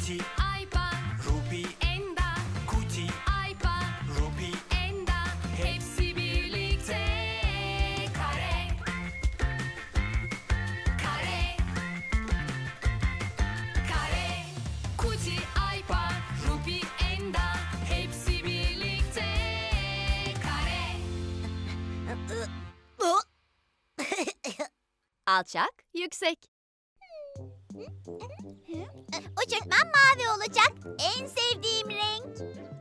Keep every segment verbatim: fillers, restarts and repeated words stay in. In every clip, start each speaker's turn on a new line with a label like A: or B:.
A: Kuti,
B: Aypa,
A: Ruby,
B: Enda,
A: Kuti,
B: Aypa,
A: Ruby,
B: Enda, hepsi birlikte kare. Kare. Kare. Kuti, Aypa, Ruby, Enda, hepsi birlikte kare. Alçak, yüksek.
C: Uçurtmam mavi olacak. En sevdiğim renk.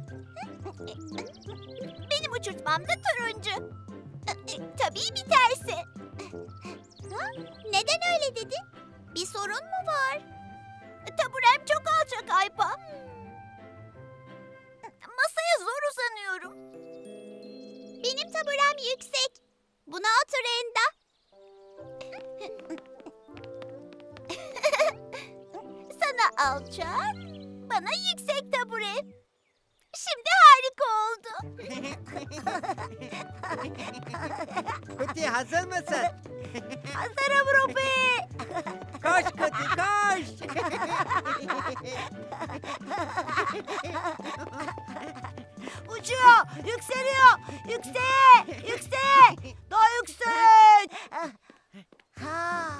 C: Benim uçurtmam da turuncu. Tabii bir tersi. Ha? Neden öyle dedin? Bir sorun mu var? Taburem çok alçak Aypa. Masaya zor uzanıyorum. Benim taburem yüksek. Buna otur Enda. Sana alçak, bana yüksek tabure. Şimdi harika oldu.
D: Kuti hazır mısın?
C: Hazırım Ruby.
D: Koş Kuti koş.
C: Uçuyor, yükseliyor. Yükseğe, yükseğe. Daha yüksek. Ha.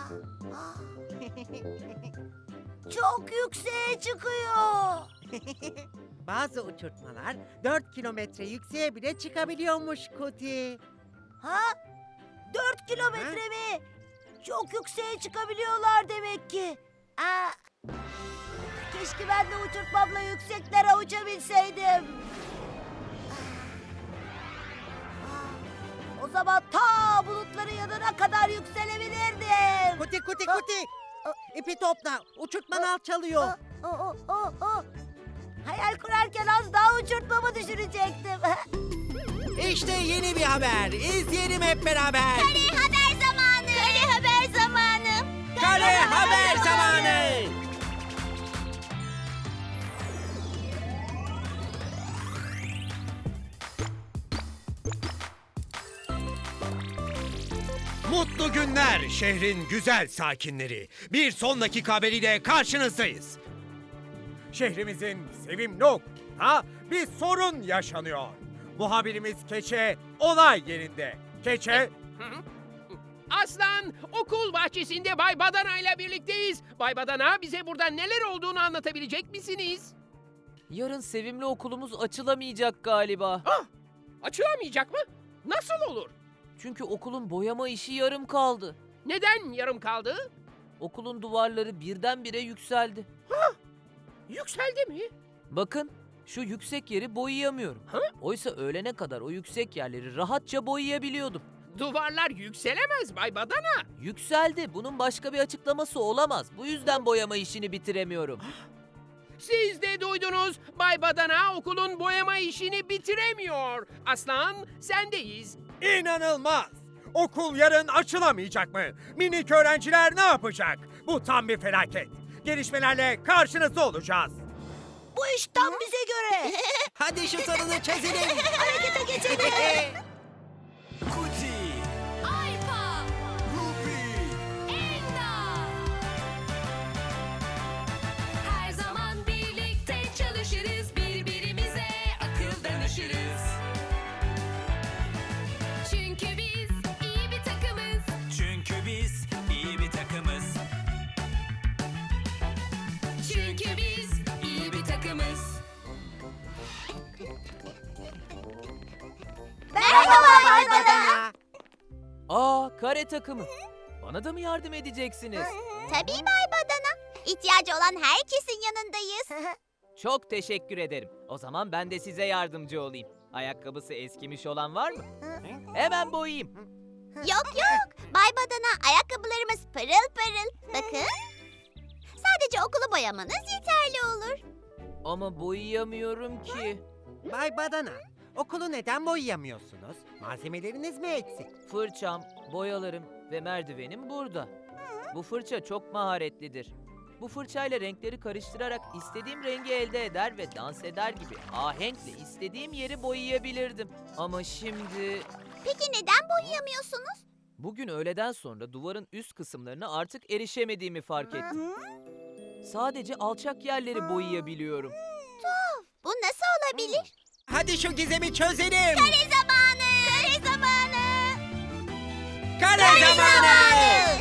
C: Çok yükseğe çıkıyor.
D: Bazı uçurtmalar dört kilometre yükseğe bile çıkabiliyormuş Kuti.
C: Ha? Dört kilometre mi? Çok yükseğe çıkabiliyorlar demek ki. Aa, keşke ben de uçurtmamla yükseklere uçabilseydim. Aa, o zaman ta bulutların yanına kadar yükselebilirdim.
D: Kuti Kuti
C: Ha?
D: Kuti. İpi topla. Uçurtman alçalıyor.
C: O, o, o, o. Hayal kurarken az daha uçurtmamı düşürecektim.
D: İşte yeni bir haber. İzleyelim hep beraber.
C: Kare haber zamanı. Kare haber zamanı.
D: Kare haber zamanı.
E: Mutlu günler şehrin güzel sakinleri. Bir son dakika haberiyle karşınızdayız. Şehrimizin sevimli okulunda bir sorun yaşanıyor. Muhabirimiz Keçe olay yerinde. Keçe,
F: Aslan, okul bahçesinde Bay Badana ile birlikteyiz. Bay Badana, bize burada neler olduğunu anlatabilecek misiniz?
G: Yarın sevimli okulumuz açılamayacak galiba.
F: Açılamayacak mı? Nasıl olur?
G: Çünkü okulun boyama işi yarım kaldı.
F: Neden yarım kaldı?
G: Okulun duvarları birdenbire yükseldi.
F: Yükseldi mi?
G: Bakın, şu yüksek yeri boyayamıyorum.
F: Ha?
G: Oysa öğlene kadar o yüksek yerleri rahatça boyayabiliyordum.
F: Duvarlar yükselemez Bay Badana.
G: Yükseldi. Bunun başka bir açıklaması olamaz. Bu yüzden boyama işini bitiremiyorum.
F: Siz de duydunuz. Bay Badana okulun boyama işini bitiremiyor. Aslan, sendeyiz.
E: inanılmaz. Okul yarın açılamayacak mı? Minik öğrenciler ne yapacak? Bu tam bir felaket. Gelişmelerle karşınızda olacağız.
C: Bu iş tam bize göre.
D: Hadi şu sorunu çözelim.
C: Harekete geçelim.
A: Kuti,
B: Aypa,
A: Ruby,
B: Enda. Her zaman birlikte çalışırız, birbirimize akıl danışırız. Çünkü biz iyi bir takımız.
A: çünkü biz iyi bir takımız.
B: Çünkü biz iyi bir takımız.
C: Merhaba Bay Badana.
G: Aa, kare takımı. Bana da mı yardım edeceksiniz?
C: Tabii Bay Badana. İhtiyacı olan herkesin yanındayız.
G: Çok teşekkür ederim. O zaman ben de size yardımcı olayım. Ayakkabısı eskimiş olan var mı? Hemen boyayayım.
C: Yok yok. Bay Badana, ayakkabılarımız pırıl pırıl. Bakın. Sadece okulu boyamanız yeterli olur.
G: Ama boyayamıyorum ki.
D: Bay Badana, okulu neden boyayamıyorsunuz? Malzemeleriniz mi eksik?
G: Fırçam, boyalarım ve merdivenim burada. Bu fırça çok maharetlidir. Bu fırçayla renkleri karıştırarak istediğim rengi elde eder ve dans eder gibi ahenkle istediğim yeri boyayabilirdim. Ama şimdi
C: Peki neden boyayamıyorsunuz?
G: bugün öğleden sonra duvarın üst kısımlarına artık erişemediğimi fark ettim. Sadece alçak yerleri boyayabiliyorum.
C: Bu nasıl olabilir?
D: Hadi şu gizemi çözelim.
C: Kare zamanı! Kare zamanı!
D: Kare zamanı!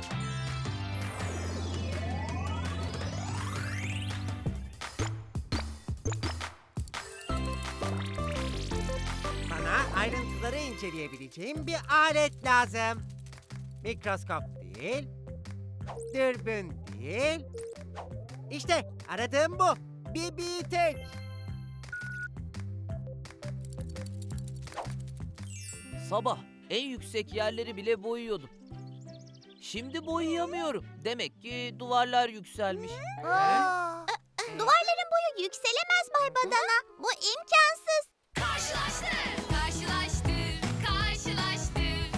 D: Bana ayrıntıları inceleyebileceğim bir alet lazım. Mikroskop değil, dürbün değil. İşte aradığım bu. Bir büyüteç.
G: Sabah en yüksek yerleri bile boyuyordum. Şimdi boyayamıyorum. Demek ki duvarlar yükselmiş.
C: Aa, Duvarların boyu yükselemez Bay Badana. Bu imkansız.
B: Karşılaştır, karşılaştır, karşılaştır.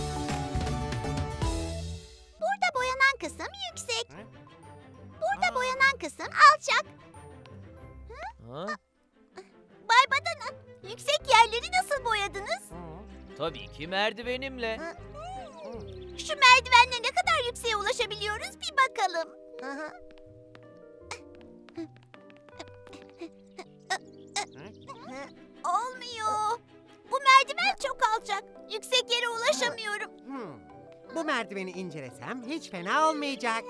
C: Burada boyanan kısım yüksek.
D: Hı?
C: Burada
D: Aa.
C: boyanan kısım alçak.
G: Ha?
C: Bay Badana, yüksek yerleri nasıl boyadınız?
G: Tabii ki merdivenimle.
C: Şu merdivenle ne kadar yükseğe ulaşabiliyoruz bir bakalım. Olmuyor. Bu merdiven çok alçak. Yüksek yere ulaşamıyorum.
D: Hmm. Bu merdiveni incelesem hiç fena olmayacak.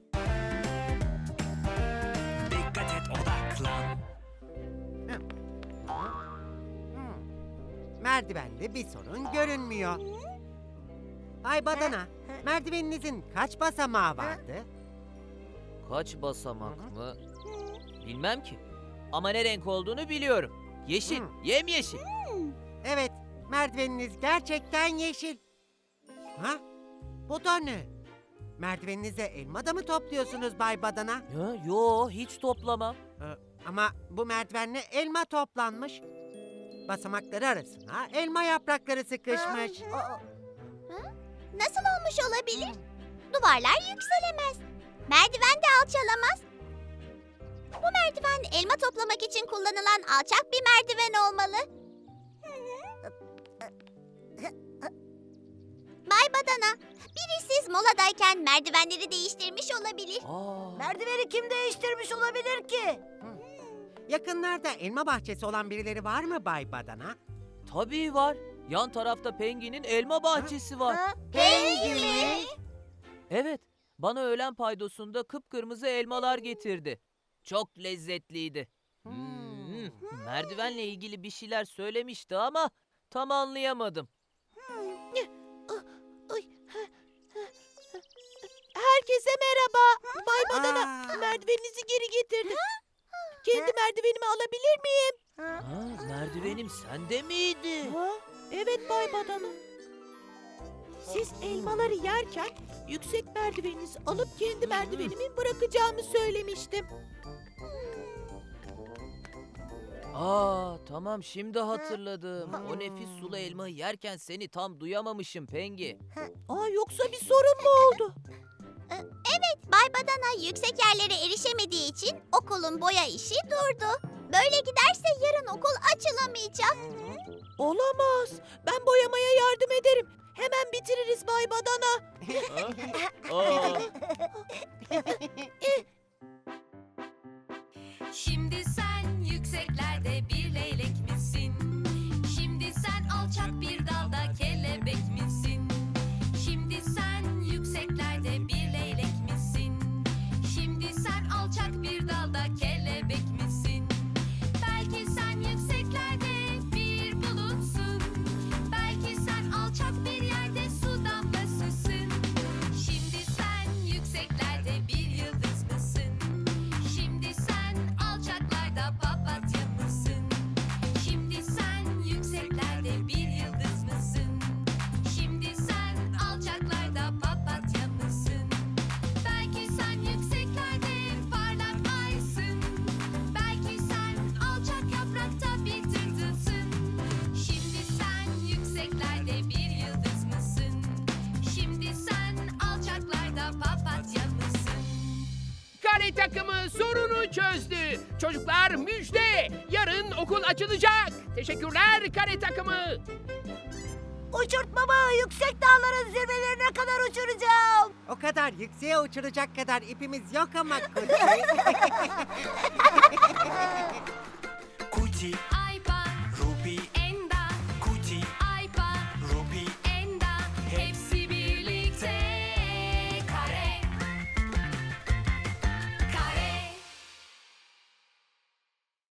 A: Dikkat et, odaklan.
D: Hmm. Merdivende bir sorun görünmüyor. Bay Badana, merdiveninizin kaç basamağı vardı?
G: Kaç basamak mı? Bilmem ki. Ama ne renk olduğunu biliyorum. Yeşil,
D: Hmm.
G: yemyeşil.
D: Evet, merdiveniniz gerçekten yeşil. Ha? Bu da ne? Merdiveninize elma da mı topluyorsunuz Bay Badana?
G: Ya, yo, hiç toplamam.
D: Ee, ama bu merdivenle elma toplanmış. Basamakları arasına elma yaprakları sıkışmış.
C: Aa, nasıl olmuş olabilir? Duvarlar yükselemez. Merdiven de alçalamaz. Bu merdiven elma toplamak için kullanılan alçak bir merdiven olmalı. Bay Badana, biri siz moladayken merdivenleri değiştirmiş olabilir.
G: Aa,
C: Merdiveni kim değiştirmiş olabilir ki?
D: Yakınlarda elma bahçesi olan birileri var mı Bay Badana?
G: tabii var. Yan tarafta Pengi'nin elma bahçesi var.
C: Pengi mi?
G: Evet, bana öğlen paydosunda kıpkırmızı elmalar getirdi. Çok lezzetliydi. Hmm, merdivenle ilgili bir şeyler söylemişti ama tam anlayamadım.
C: Herkese merhaba. Bay
D: Aa,
C: merdiveninizi geri getirdim. Kendi merdivenimi alabilir miyim?
G: Ha, merdivenim sende miydi?
C: Evet Bay Badana. Siz elmaları yerken yüksek merdiveninizi alıp kendi merdivenimi bırakacağımı söylemiştim.
G: Aa, tamam şimdi hatırladım. O nefis sulu elmayı yerken seni tam duyamamışım Pengi.
C: Aa, yoksa bir sorun mu oldu? Evet, Bay Badana yüksek yerlere erişemediği için okulun boya işi durdu. Böyle giderse yarın okul açılamayacak. Olamaz. Ben boyamaya yardım ederim. Hemen bitiririz Bay Badana.
G: Aa,
B: Şimdi sen yükseklerde bir leylek misin? Şimdi sen alçak bir dalda kelebek misin? Şimdi sen yükseklerde bir leylek misin? Şimdi sen alçak bir dalda kelebek misin? Belki sen yükseklerde bir bulutsun. Belki sen alçak bir yerde su damlasısın. Şimdi sen yükseklerde bir yıldız mısın? Şimdi sen alçaklarda papatya mısın? Şimdi sen yükseklerde bir yıldız mısın? Şimdi sen alçaklarda papatya mısın? Belki sen yükseklerde parlak aysın. Belki sen alçak yaprakta bir tırtılsın. Şimdi sen yükseklerde bir yıldız mısın? Şimdi sen alçaklarda papatya mısın?
F: Kare takımı sorunu çözdü. Çocuklar müjde. Yarın okul açılacak. Teşekkürler kare takımı.
C: Uçurtmamı yüksek dağların zirvelerine kadar uçuracağım.
D: O kadar yükseğe uçuracak kadar ipimiz yok ama Kulki.